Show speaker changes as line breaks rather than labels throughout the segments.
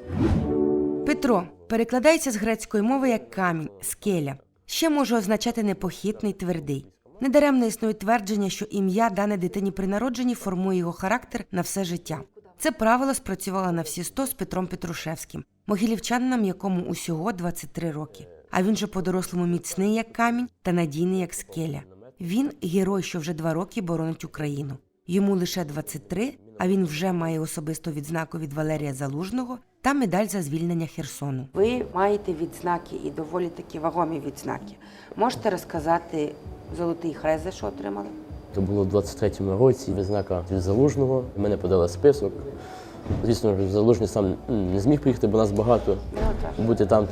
Петро перекладається з грецької мови як камінь, скеля. Ще може означати непохитний, твердий. Недаремно існує твердження, що ім'я, дане дитині при народженні, формує його характер на все життя. Це правило спрацювало на всі 100 з Петром Петрушевським, могилівчанином, якому усього 23 роки. А він же по-дорослому міцний, як камінь, та надійний, як скеля. Він – герой, що вже 2 роки боронить Україну. Йому лише 23, а він вже має особисту відзнаку від Валерія Залужного та медаль за звільнення Херсону.
Ви маєте відзнаки і доволі такі вагомі відзнаки. Можете розказати Золотий Хрест, за що отримали?
Це було в 23-му році, відзнака від Залужного. Мене подали список. Звісно, Залужний сам не зміг приїхати, бо нас багато. Бути там.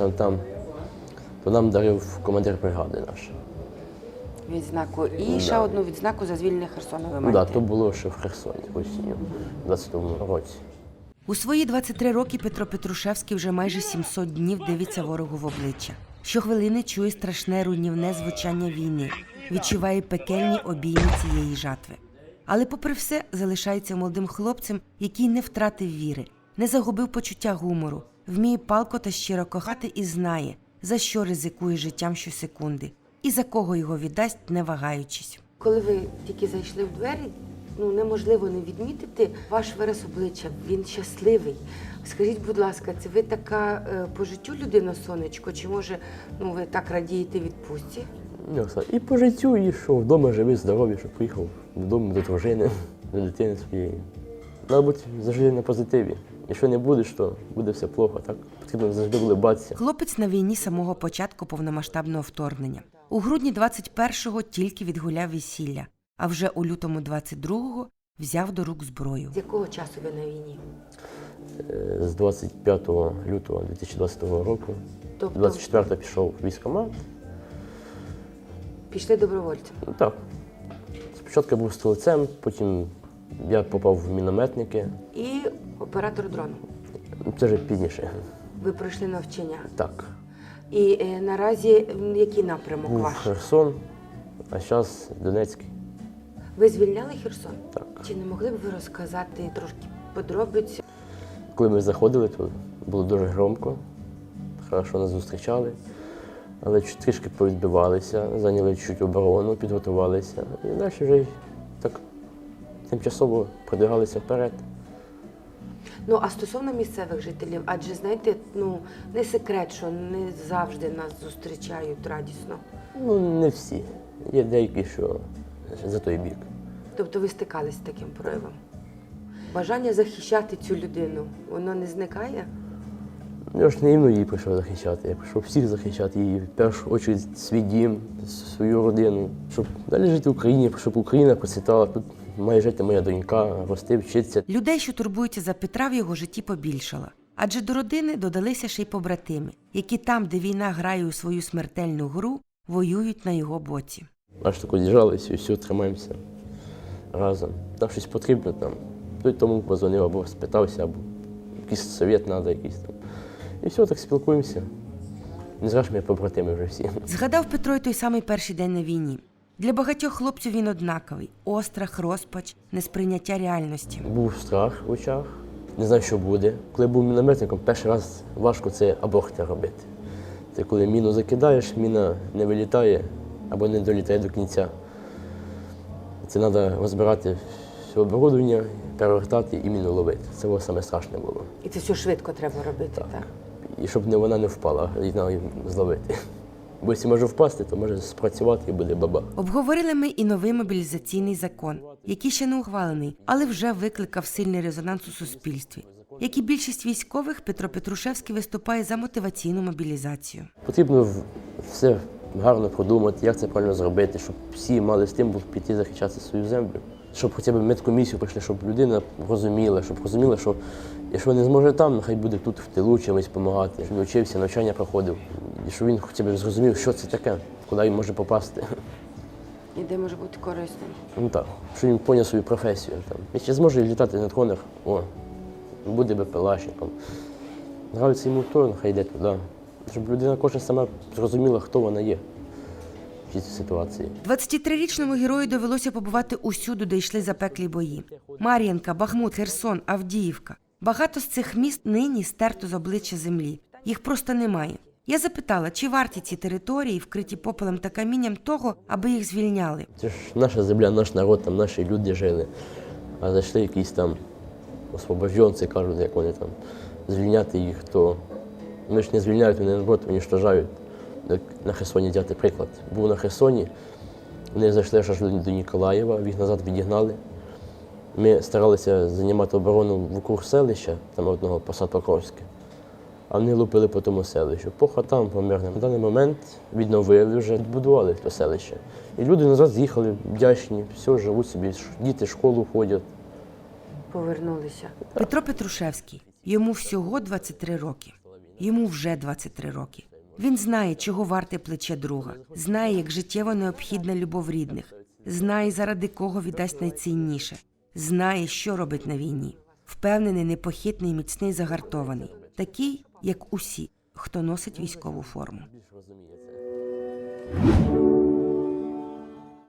То нам дарив командир бригади наш.
Відзнаку. І ще одну відзнаку за звільнення Херсону ви
Ну
маєте?
так, то було ще в Херсоні осінню, в 20-му році.
У свої 23 роки Петро Петрушевський вже майже 700 днів дивиться ворогу в обличчя. Щохвилини чує страшне руйнівне звучання війни, відчуває пекельні обійми цієї жатви. Але попри все залишається молодим хлопцем, який не втратив віри, не загубив почуття гумору, вміє палко та щиро кохати і знає, за що ризикує життям щосекунди і за кого його віддасть, не вагаючись.
Коли ви тільки зайшли в двері, неможливо не відмітити ваш вираз обличчя. Він щасливий. Скажіть, будь ласка, це ви така по життю людина, сонечко, чи може ви так радієте відпустці?
І по життю, і що вдома живий, здоровий, що приїхав додому до дружини, до дитини своєї. Треба бути завжди на позитиві. Якщо не будеш, то буде все плохо. Так? Потрібно завжди улибатися.
Хлопець на війні з самого початку повномасштабного вторгнення. У грудні 21-го тільки відгуляв весілля, а вже у лютому 22-го взяв до рук зброю.
З якого часу ви на війні?
З 25 лютого 2020 року.
Тобто
24-го пішов в військкомат.
Пішли добровольцем?
Ну, так. Спочатку я був стрільцем, потім я попав в мінометники.
І оператор дрону?
Це вже пізніше.
Ви пройшли навчання?
Так.
І наразі який напрямок
Був
ваш?
Херсон, а зараз Донецький.
Ви звільняли Херсон?
Так.
Чи не могли б ви розказати трошки подробиць?
Коли ми заходили, то було дуже громко, хорошо нас зустрічали, але трішки повідбивалися, зайняли чуть оборону, підготувалися і далі вже так тимчасово продвигалися вперед.
А стосовно місцевих жителів, адже, знаєте, не секрет, що не завжди нас зустрічають радісно.
Не всі. Є деякі, що за той бік.
Тобто ви стикались з таким проявом? Бажання захищати цю людину, воно не зникає?
Я ж не іменно її прийшов захищати, я прийшов всіх захищати, її в першу чергу свій дім, свою родину, щоб далі жити в Україні, щоб Україна процвітала. Тут має жити моя донька, рости, вчитися.
Людей, що турбуються за Петра, в його житті побільшало. Адже до родини додалися ще й побратими, які там, де війна грає у свою смертельну гру, воюють на його боці.
Аж тако з'їжджалися і все, тримаємося разом. Там щось потрібно, той тому позвонив або спитався, або якийсь совет треба якийсь там. І все, так спілкуємося. Не зраж ми побратими вже всі.
Згадав Петро й той самий перший день на війні. Для багатьох хлопців він однаковий – острах, розпач, несприйняття реальності.
Був страх в очах, не знаю, що буде. Коли був мінометником, перший раз важко це аборти робити. Це коли міну закидаєш, міна не вилітає або не долітає до кінця. Це треба розбирати все оборудовання, перевертати і міну ловити. Це саме страшне було.
І це все швидко треба робити, так?
І щоб вона не впала, її треба зловити. Бо якщо може впасти, то може спрацювати і буде баба.
Обговорили ми і новий мобілізаційний закон, який ще не ухвалений, але вже викликав сильний резонанс у суспільстві. Як і більшість військових, Петро Петрушевський виступає за мотиваційну мобілізацію.
Потрібно все гарно продумати, як це правильно зробити, щоб всі мали стимул піти захищати свою землю. Щоб хоча б медкомісію прийшли, щоб людина розуміла, що якщо не зможе там, нехай буде тут в тилу чимось допомагати, щоб він вчився, навчання проходив. І щоб він хоча б зрозумів, що це таке, куди він може попасти.
І де може бути корисним?
Так, щоб він поняв свою професію. Якщо зможе літати на дронах, буде БПЛАшником. Нравиться йому то, нехай йде туди. Щоб людина кожна сама зрозуміла, хто вона є в цій ситуації.
23-річному герою довелося побувати усюди, де йшли запеклі бої. Мар'їнка, Бахмут, Херсон, Авдіївка. Багато з цих міст нині стерто з обличчя землі. Їх просто немає. Я запитала, чи варті ці території, вкриті попелем та камінням того, аби їх звільняли.
Це ж наша земля, наш народ, там наші люди жили. А зайшли якісь там освобожденці, кажуть, як вони там, звільняти їх, то ми ж не звільняють, вони наоборот уничтожають. Як на Херсоні взяти приклад. Був на Херсоні, вони зайшли аж до Ніколаєва, їх назад відігнали. Ми старалися займати оборону вокруг селища, там одного Посад Покровське, а вони лупили по тому селищу, по хатам, по мирним. На даний момент відновили, вже відбудували це селище. І люди назад з'їхали, вдячні, все, живуть собі, діти в школу ходять.
Повернулися.
Петро Петрушевський. Йому всього 23 роки. Йому вже 23 роки. Він знає, чого варте плече друга. Знає, як життєво необхідна любов рідних. Знає, заради кого віддасть найцінніше. Знає, що робить на війні. Впевнений, непохитний, міцний, загартований. Такий, як усі, хто носить військову форму.
Більш розуміє це.